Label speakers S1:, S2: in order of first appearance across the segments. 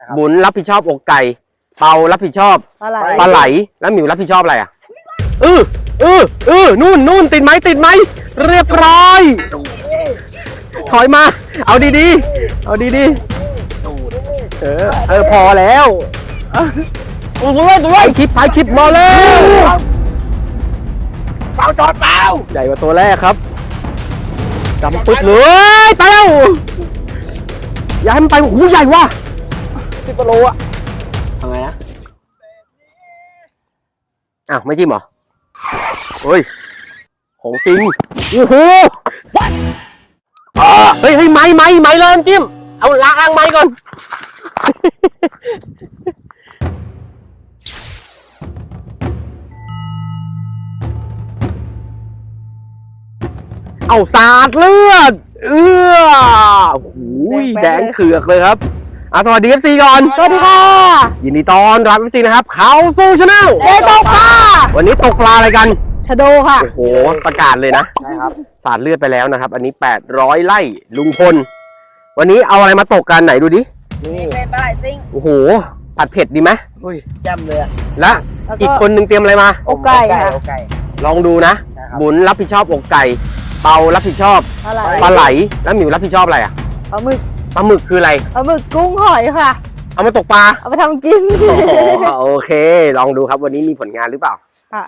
S1: บุญรับผิดชอบอกไก่เปารับผิดชอบปลาไหลแล้วหมิวรับผิดชอบอะไรอ่ะนู่นติดไหมเรียบร้อยถอยมาเอาดีๆพอแล้วไปคลิปมาแล้วเปาจอดเปาใหญ่กว่าตัวแรกครับดำปึ๊ดเลยไปแล้วอย่าให้มันไปโอ้โหใหญ่ว่ะ10 กิโลอะทำไงนะอ้าวไม่จิ้มเหรอเฮ้ยของจริงโอ้โหเฮ้ยไม้เลยจิ้มเอาล้างไม้ก่อนเอาสาดเลือดโอ้โหแดงเขือกเลยครับสวัสดี FC ก่อนสวัสดีค่ะยินดีต้อนรับ FC นะครับเขาสู่ชาแนลตกปลาวันนี้ตกปลาอะไรกันชะโดค่ะโอ้โหประกาศเลยนะใช่ครับสาดเลือดไปแล้วนะครับอันนี้800ไร่ลุงพลวันนี้เอาอะไรมาตกกันไหนดูดินี่เป็นปลาไหลซิ่งโอ้โหผัดเผ็ดดีไหมอุ้ยแจ่มเลยและอีกคนนึงเตรียมอะไรมาอกไก่ค่ะลองดูนะบุญรับผิดชอบอกไก่เปารับผิดชอบปลาไหลแล้วหมิวรับผิดชอบอะไรอ่ะปลาหมึกคืออะไรปลาหมึกกุ้งหอยค่ะเอามาตกปลาเอาไปทำกินโอเคลองดูครับวันนี้มีผลงานหรือเปล่าค่ะ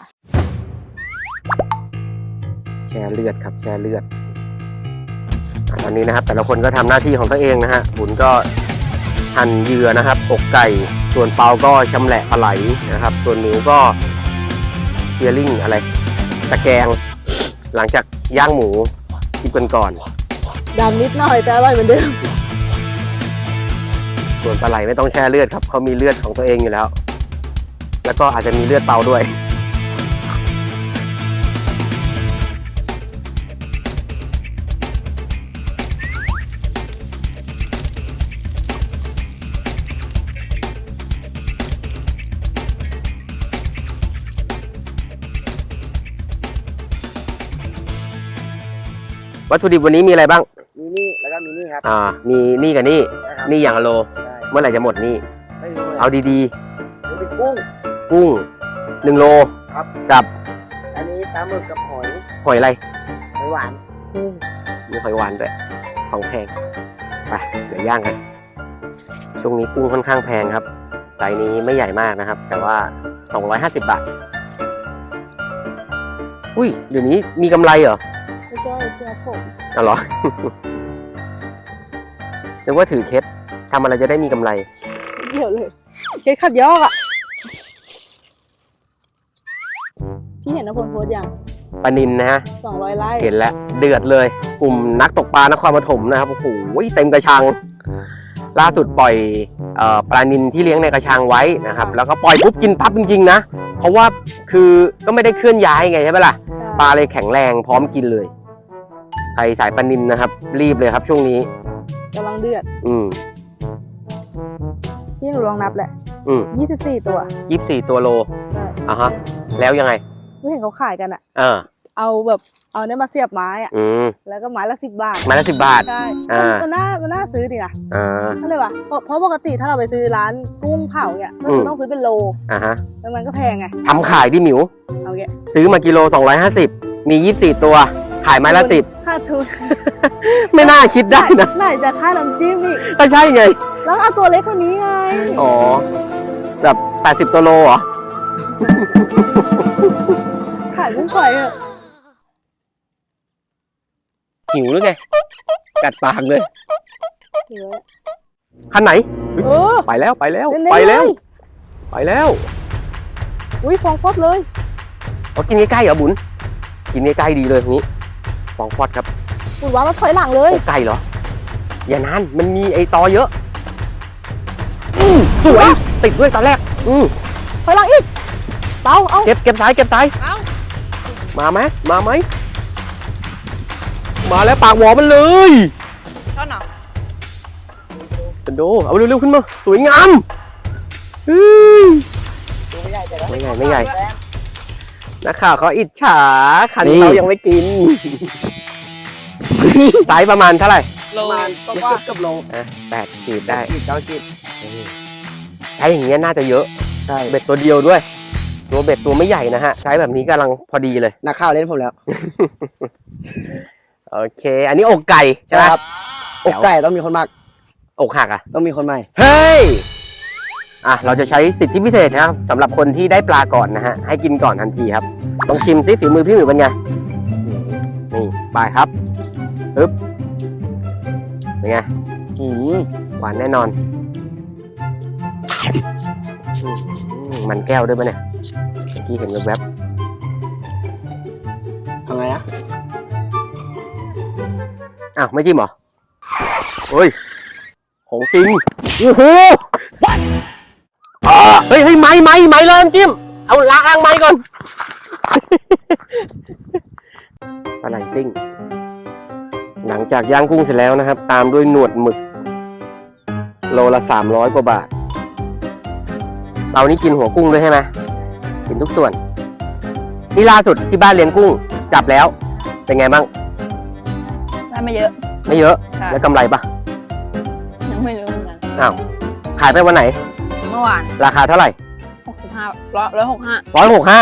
S1: แช่เลือดครับแช่เลือดตอนนี้นะครับแต่ละคนก็ทำหน้าที่ของตัวเองนะฮะบุญก็หั่นเหยื่อนะครับอกไก่ส่วนเปาก็ชำแหละปลาไหลนะครับส่วนหมิวก็เชียร์ลิงอะไรตะแกรงหลังจากย่างหมูจิบกันก่อนดำนิดหน่อยแต่อร่อยเหมือนเดิมส่วนปลาไหลไม่ต้องแช่เลือดครับเขามีเลือดของตัวเองอยู่แล้วแล้วก็อาจจะมีเลือดเปาด้วยวัตถุดิบวันนี้มีอะไรบ้างมีนี่แล้วก็มีนี่ครับมีนี่กับนี่อย่างละโลเมื่อไหร่จะหมดนี่เอาดีๆเป็นกุ้ง1 โลครับกับอันนี้ปลาหมึกกับหอยอะไรหอยหวานมีหอยหวานด้วยของแพงไปเดี๋ยวย่างกันช่วงนี้กุ้งค่อนข้างแพงครับไซส์นี้ไม่ใหญ่มากนะครับแต่ว่า250 บาทอุ้ยเดี๋ยวนี้มีกำไรเหรอไม่ใช่เชื่อผมอ๋อเหรอนึกว่าถือเคสทำอะไรจะได้มีกำไรเดี๋ยวเลยเคสขัดยอกอ่ะพี่เห็นนพลโพสยังปนินนะฮะ200 ไร่เห็นแล้วเดือดเลยกลุ่มนักตกปลานครปฐมนะครับโอ้โหเต็มกระชังล่าสุดปล่อยปลานินที่เลี้ยงในกระชังไว้นะครับแล้วก็ปล่อยปุ๊บกินปั๊บจริงๆนะเพราะว่าคือก็ไม่ได้เคลื่อนย้ายไงใช่ไหมล่ะปลาเลยแข็งแรงพร้อมกินเลยใครสายปลานินนะครับรีบเลยครับช่วงนี้กำลังเดือดพี่หนูลองนับแหละ24 ตัว24 ตัวโลฮะแล้วยังไงไม่เห็นเขาขายกันอ่ะเอาแบบเอาเนี่ยมาเสียบไม้อ่ะแล้วก็ไม้ละ10 บาทไม้ละ10 บาทใช่มันน่าซื้อดีนะก็เลยว่ะเพราะปกติถ้าเราไปซื้อร้านกุ้งเผาเนี่ยก็ต้องซื้อเป็นโลแล้วมันก็แพงไงทำขายดิหมิวเอาแกซื้อมากิโล250มี24 ตัวขายไม้ละ10ค่าทุนไม่น่าคิดได้นะไหนจะค่าน้ำจิ้มอีกก็ใช่ไงแล้วเอาตัวเล็กกว่านี้ไงอ๋อแบบ80 ตัวโลเหรอขายกุ้งฝอยเหรอหิวหรือไงกัดปากเลยคันไหนไปแล้วอุ้ยฟองฟอดเลยเอากินใกล้ๆเหรอบุญกินใกล้ๆดีเลยนี้ฟองฟอดครับบุญว่าเราถอยหลังเลยไกลเหรออย่านานมันมีไอตอเยอะสวยติดด้วยตอนแรกถอยหลังอีกเปาเอาเก็บสายมาไหมมาแล้วปากหวอมันเลยช้อนเหรอเป็นโดเอาเร็วๆขึ้นมาสวยงามไม่ใหญ่นักข่าวเขาอิจฉาคันเรายังไม่กินไซส์ประมาณเท่าไหร่ประมาณเกือบโล8 ขีดได้9 ขีดช้อย่างเงี้ยน่าจะเยอะ
S2: ใช่
S1: เบ็ดตัวเดียวด้วย ตัวเบ็ดตัวไม่ใหญ่นะฮะใช้แบบนี้กำลังพอดีเลย
S2: นักข่าวเล่นผมแล้ว
S1: โอเค อันนี้อกไก่ใช่ไหม
S2: ครับอกไก่ต้องมีคนมาก
S1: อกหักอ่ะ
S2: ต้องมีคนใหม่
S1: เฮ้ยอ่ะเราจะใช้สิทธิพิเศษนะครับสำหรับคนที่ได้ปลาก่อนนะฮะให้กินก่อนทันทีครับต้องชิมซิฝีมือพี่หมิวเป็นไงนี่ไปครับปึ๊บเป็นไง หวานแน่นอนมันแก้วด้วยปะเนี่ยเมื่อกี้เห็นแวบ
S2: ทำไงนะ
S1: ๆอ้าวไม่จิ้มเหรอเฮ้ยของจริงโอ้โหเฮ้ยไม้เลยน้ำจิ้มเอาล้างไม้ก่อน ปลาไหลซิ่งหลังจากย่างกุ้งเสร็จแล้วนะครับตามด้วยหนวดหมึกโลละ300 กว่าบาทเรานี่กินหัวกุ้งด้วยใช่ไหมกินทุกส่วนนี่ล่าสุดที่บ้านเลี้ยงกุ้งจับแล้วเป็นไงบ้าง
S3: ได้ไม่เยอะ
S1: ไม่เยอะ
S3: ค่ะ
S1: แล้วกำไรปะ
S3: ยังไม่รู้เหมือนกัน
S1: อ้าวขายไปวันไหน
S3: เมื่อวาน
S1: ราคาเท่าไหร่
S3: 165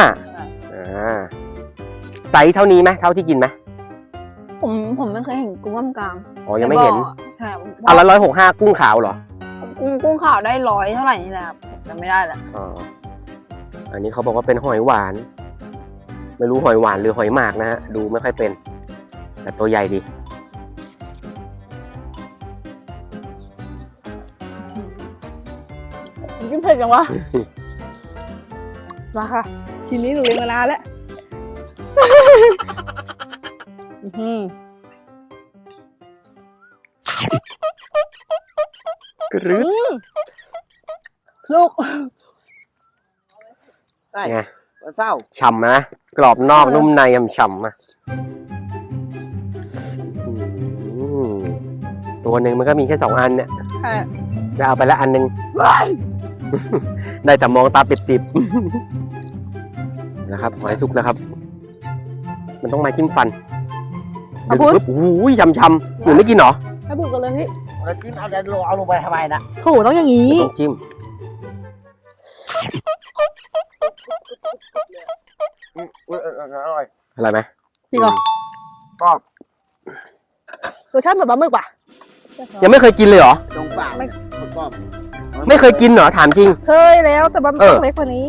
S1: ไซส์เท่านี้ไหมเท่าที่กินไหม
S3: ผมไม่เคยเห็นกุ้งกล้าม
S1: อ๋อยังไม่เห็น
S3: ใช่
S1: เอาละ165กุ้งขาวเหรอ
S3: กุ้งขาวได้100เท่าไหร่นี่แหละครับจำไม่ได้ละ
S1: อ๋ออันนี้เขาบอกว่าเป็นหอยหวาน ไม่รู้หอยหวานหรือหอยหมากนะฮะดูไม่ค่อยเป็นแต่ตัวใหญ่ดี
S3: กินเผ็ดจังวะมาค่ะชิ้นนี้หนูเลี้ยงมานานแล้ว
S1: กรึ๊ด
S3: ลูก
S2: ได้
S1: ไง
S2: วันเศร้า
S1: ฉ่ำนะกรอบนอกนุ่มในฉ่ำๆนะอืมตัวหนึ่งมันก็มีแค่2 อันเนี่ยจะเอาไปละอันหนึ่ง ได้แต่มองตาปิดๆนะครับหอยสุกแล้วครับ มันต้องไม้จิ้มฟันดึงปุ๊บโอ้ยช้ำๆหนูไม่กินเหรอ
S3: ให้บุกกันเลยพี่
S2: แล้วจิ้มเอาลงไปทำไมนะ
S3: โถต้องอย่างนี้
S1: ต้องจิ้ม
S2: อร่อย
S1: อะไรไหม
S3: จริงเหรอ
S2: ก็
S3: รสชาติเหมือนปลาหมึกป่ะ
S1: ยังไม่เคยกินเลยเหรอ
S2: ตรงเปล่าก็
S1: ไม่เคยกินเหรอถามจริง
S3: เคยแล้วแต่มันต้องเล็กกว่านี้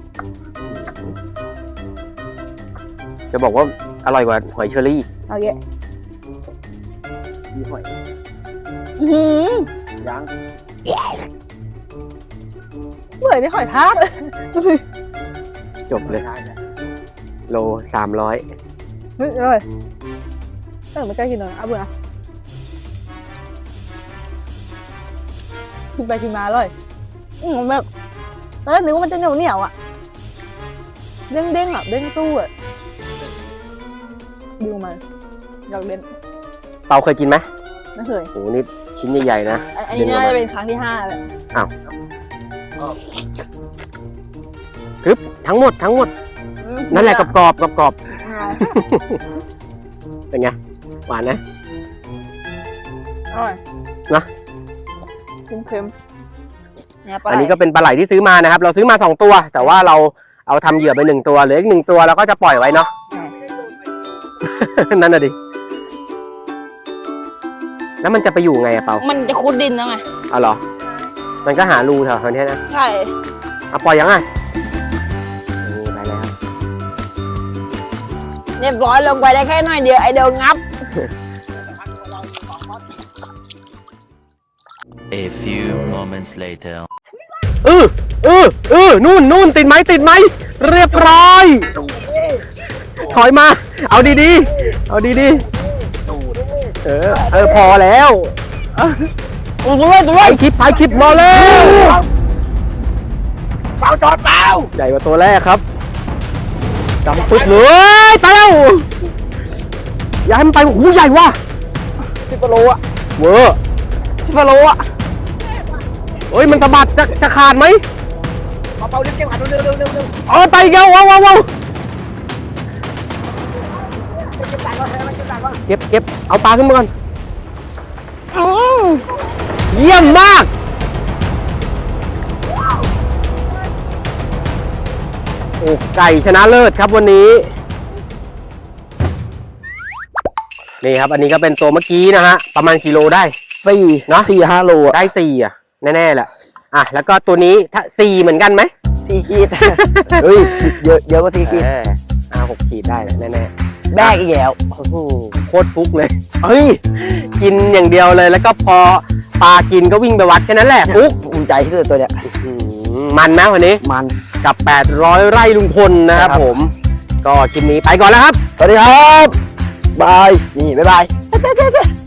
S1: จะบอกว่าอร่อยกว่าหอยเชอรี่
S3: เอาเยอะ
S2: ดีหอย ยัง
S3: เหมือนที่หอยทาก
S1: จบเลยโล300
S3: เฮ้ยอร่อยไม่กล้ากินเลยเอาเบื่อกินไปกินมาอร่อยแบบแล้วนึกว่ามันจะเหนียวอ่ะเด้งอ่ะเด้งตู้อ่ะดูมาอยากเล่น
S1: เปาเคยกินไหม
S3: ไม่เคย
S1: โอ้โหนี่ชิ้นใหญ่ๆนะ
S3: อันนี้น่าจะเป็นครั้งที่5แล้ว
S1: กรึบทั้งหมดนั่นแหละกรอบเป็นไงหวานนะ
S3: อร่อย
S1: นะ
S3: เค็มๆเนี่ยปลา
S1: อัน
S3: ไหล
S1: นี้ก็เป็นปลาไหลที่ซื้อมานะครับ เราซื้อมา2 ตัว แต่ว่าเราเอาทำเหยื่อไป1 ตัวเหลืออีก1 ตัวเราก็จะปล่อยไว้เนาะ นั่นน่ะดิแล้วมันจะไปอยู่ไงอะเปา
S3: มันจะคุดดินแล้วไง
S1: เอาเหรอมันก็หารูแถวนี้นะ
S3: ใช่
S1: เอาปล่อยยังไงนี่ไปแล้ว
S3: เรียบร้อยลงไปได้แค่หน่อยเดียวไอเดียวงับ
S4: A few moments later.
S1: นู่นติดไหมเรียบร้อยถอยมาเอาดีๆพอแล้วถ่ายคลิปรอแล้ว
S2: เปล่าจอดเปล่า
S1: ใหญ่กว่าตัวแรกครับดำปึ๊ดเลยไปแล้วอย่าให้มันไปโอ้โหใหญ่ว่ะ
S2: 10 โลอ่ะ
S1: เวอร์
S3: 10 โลอ่ะ
S1: เฮ้ยมันสะบัดจะขาดไหม
S2: เปล่าเร็วเก็บหันเร็ว
S1: เอาไปอีกแล้วว้าวเก็บเอาปลาขึ้นมาก่อนเยี่ยมมากอกไก่ชนะเลิศครับวันนี้นี่ครับอันนี้ก็เป็นตัวเมื่อกี้นะฮะประมาณกิโลได้
S2: 4
S1: เนอะ
S2: 4-5 โลอ่ะ
S1: ได้4อ่ะแน่ๆแหละอ่ะแล้วก็ตัวนี้ถ้า4เหมือนกันไหม
S2: 4 ขีด เฮ้ยเยอะกว่า4 ขีด
S1: 6 ขีดได้แน่
S2: แบกอีกแล้ว
S1: ๆโอ้โหโคตรฟุกเลย
S2: เฮ้ย
S1: กินอย่างเดียวเลยแล้วก็พอปลากินก็วิ่งไปวัดแค่นั้นแหละฟุก
S2: ภูมิใจที่สุดตัวเนี้ย
S1: มันนะวันนี้
S2: มัน
S1: กับ 800 ไร่ลุงพลนะครับ
S2: ครับ
S1: ผมก็คลิปนี้ไปก่อนแล้วครับ
S2: สวัสดีครับ บาย นี่ บ๊ายบาย